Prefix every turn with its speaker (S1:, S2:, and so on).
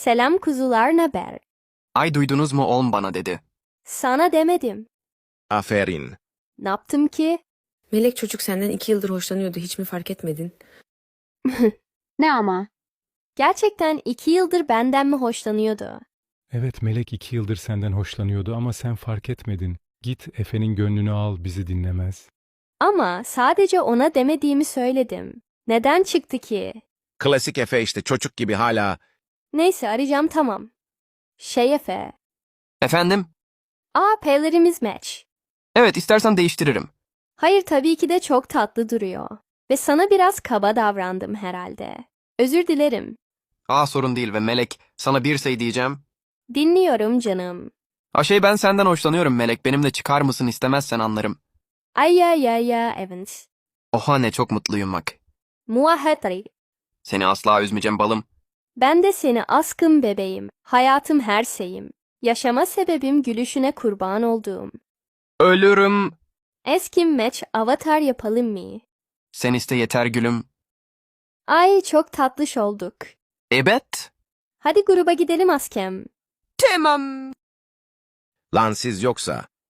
S1: Selam kuzular, naber?
S2: Ay duydunuz mu oğlum bana dedi.
S1: Sana demedim.
S3: Aferin.
S1: Ne yaptım ki?
S4: Melek çocuk senden 2 yıldır hoşlanıyordu. Hiç mi fark etmedin?
S5: Ne ama?
S1: Gerçekten 2 yıldır benden mi hoşlanıyordu?
S6: Evet, Melek 2 yıldır senden hoşlanıyordu ama sen fark etmedin. Git Efe'nin gönlünü al, bizi dinlemez.
S1: Ama sadece ona demediğimi söyledim. Neden çıktı ki?
S3: Klasik Efe işte çocuk gibi hala.
S1: Neyse arayacağım, tamam. Efe.
S2: Efendim?
S1: P'lerimiz match.
S2: Evet, istersen değiştiririm.
S1: Hayır, tabii ki de çok tatlı duruyor. Ve sana biraz kaba davrandım herhalde. Özür dilerim.
S2: Sorun değil ve Melek, sana bir şey diyeceğim.
S1: Dinliyorum canım.
S2: Ben senden hoşlanıyorum Melek, benimle çıkar mısın, istemezsen anlarım.
S1: Ay ya Evans.
S2: Oha ne çok mutluyum bak.
S1: Muahatri.
S2: Seni asla üzmeyeceğim balım.
S1: Ben de seni aşkım bebeğim. Hayatım, her şeyim. Yaşama sebebim, gülüşüne kurban olduğum.
S2: Ölürüm.
S1: Eski match avatar yapalım mı?
S2: Sen iste yeter gülüm.
S1: Ay çok tatlış olduk.
S2: Evet.
S1: Hadi gruba gidelim askem.
S2: Tamam.
S3: Lan siz yoksa.